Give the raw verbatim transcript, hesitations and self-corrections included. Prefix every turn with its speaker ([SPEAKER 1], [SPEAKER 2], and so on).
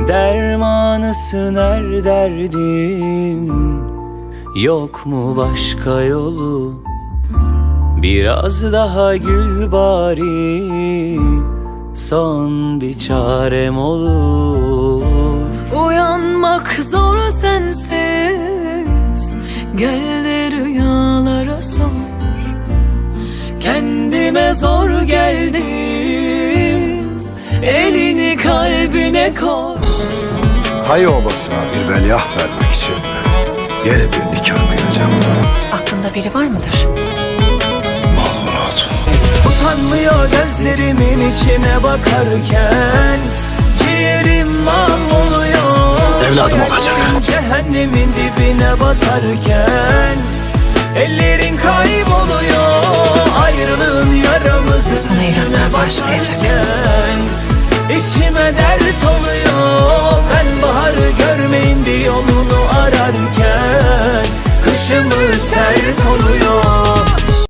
[SPEAKER 1] Dermanısın her derdin, yok mu başka yolu? Biraz daha gül bari, son bir çarem olur.
[SPEAKER 2] Uyanmak zor sensiz, gel de rüyalara sor. Kendime zor geldim, elini kalbine koy.
[SPEAKER 3] Kayı obasına bir veliaht vermek için yeni bir nikah kıyacağım.
[SPEAKER 4] Aklında biri var mıdır?
[SPEAKER 3] Malhurat.
[SPEAKER 1] Utanmıyor gözlerimin içine bakarken, ciğerim mahvoluyor.
[SPEAKER 3] Evladım olacak.
[SPEAKER 1] Cehennemin dibine batarken, ellerin kayboluyor. Ayrılığın yaramızın
[SPEAKER 4] Sana evlatlar bağışlayacak.
[SPEAKER 1] İçime dert oluyor. Ben baharı görmeyin bir yolunu ararken, kışımı sert oluyor.